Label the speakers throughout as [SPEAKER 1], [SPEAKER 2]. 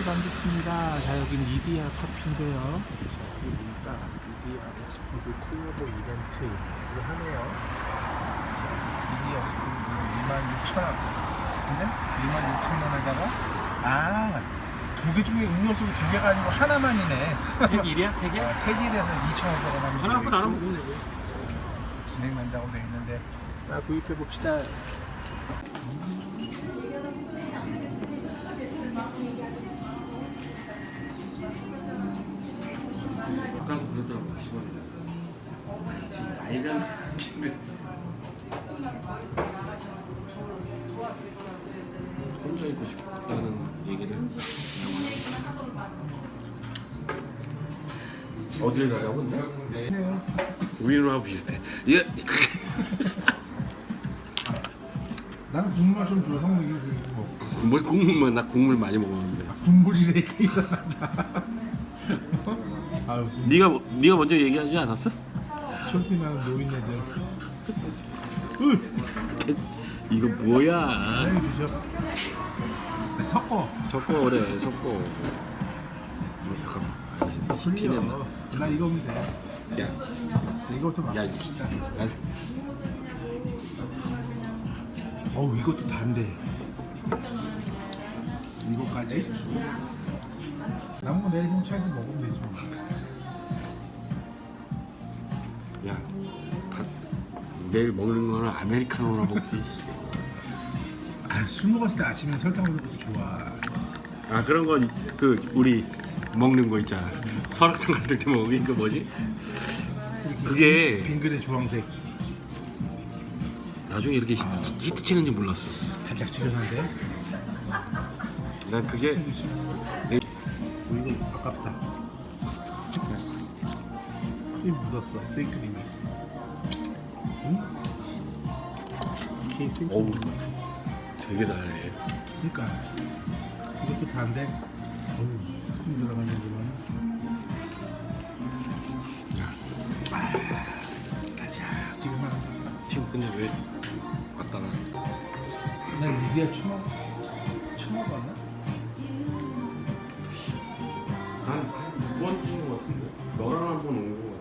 [SPEAKER 1] 반갑습니다. 자, 여긴 이디야 커피인데요. 자, 여기 보니까 이디야 옥스포드 콜라보 이벤트를 하네요. 자, 이디야 옥스포드 26,000원. 근데 26,000원에다가 두 개 중에 음료수 두 개가 아니고 하나만이네.
[SPEAKER 2] 택일이야? 택일?
[SPEAKER 1] 택일에서 2,500원 하면
[SPEAKER 2] 하나 갖고 나눠 먹으면 되고.
[SPEAKER 1] 진행된다고 되어 있는데 구입해 봅시다.
[SPEAKER 2] 아까도 그러더라고 10원이다. 지금 나이가 혼자 있고 싶다는 얘기를 어딜 가자고 근데? 우리누나하고 비슷해. 예.
[SPEAKER 1] 나는 국물 좀 줘. 형 이게 뭐
[SPEAKER 2] 뭘 국물만 나 국물 많이 먹었는데.
[SPEAKER 1] 국물이래 이게 이상하다. 아 무슨
[SPEAKER 2] 네가 먼저 얘기하지 않았어?
[SPEAKER 1] 쇼핑하는 노인네들.
[SPEAKER 2] 이거 뭐야?
[SPEAKER 1] 여기 드셔. 섞어.
[SPEAKER 2] 섞어 그래 섞어. 잠깐만.
[SPEAKER 1] 풀려. 나 이거 하면 돼.
[SPEAKER 2] 야,
[SPEAKER 1] 이것도 막.
[SPEAKER 2] 야,
[SPEAKER 1] 어우 이것도 단데. 이거까지? 남은 거 내일 형 차에서 먹으면 되지.
[SPEAKER 2] 야, 내일 먹는 거는 아메리카노나 먹지.
[SPEAKER 1] 술 먹었을 때 아침에 설탕 먹는 것도 좋아.
[SPEAKER 2] 아 그런 건 그 우리 먹는 거 있잖아. 설악산 갈 때 먹는 거 뭐지? 그게
[SPEAKER 1] 빙그레 주황색.
[SPEAKER 2] 나중에 이렇게 히트 치는지 몰랐어.
[SPEAKER 1] 달짝지근한데?
[SPEAKER 2] 난 그게
[SPEAKER 1] 이거 아깝다. 크림 묻었어. 생크림이. 응? 케이크.
[SPEAKER 2] 어우 되게 달해.
[SPEAKER 1] 그러니까 이것도 단데. 어우 크림 들어가는 거는.
[SPEAKER 2] 야,
[SPEAKER 1] 달짝지근한.
[SPEAKER 2] 지금 근데 왜 왔다가?
[SPEAKER 1] 난 이게 처음 봤나?
[SPEAKER 2] 난두 번째인 것 같은데. 너랑 한 번 온 것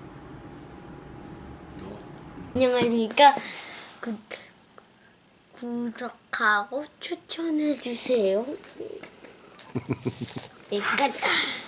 [SPEAKER 2] 같아.
[SPEAKER 3] 안녕하십니까. 구독하고 추천해주세요. 여기까지.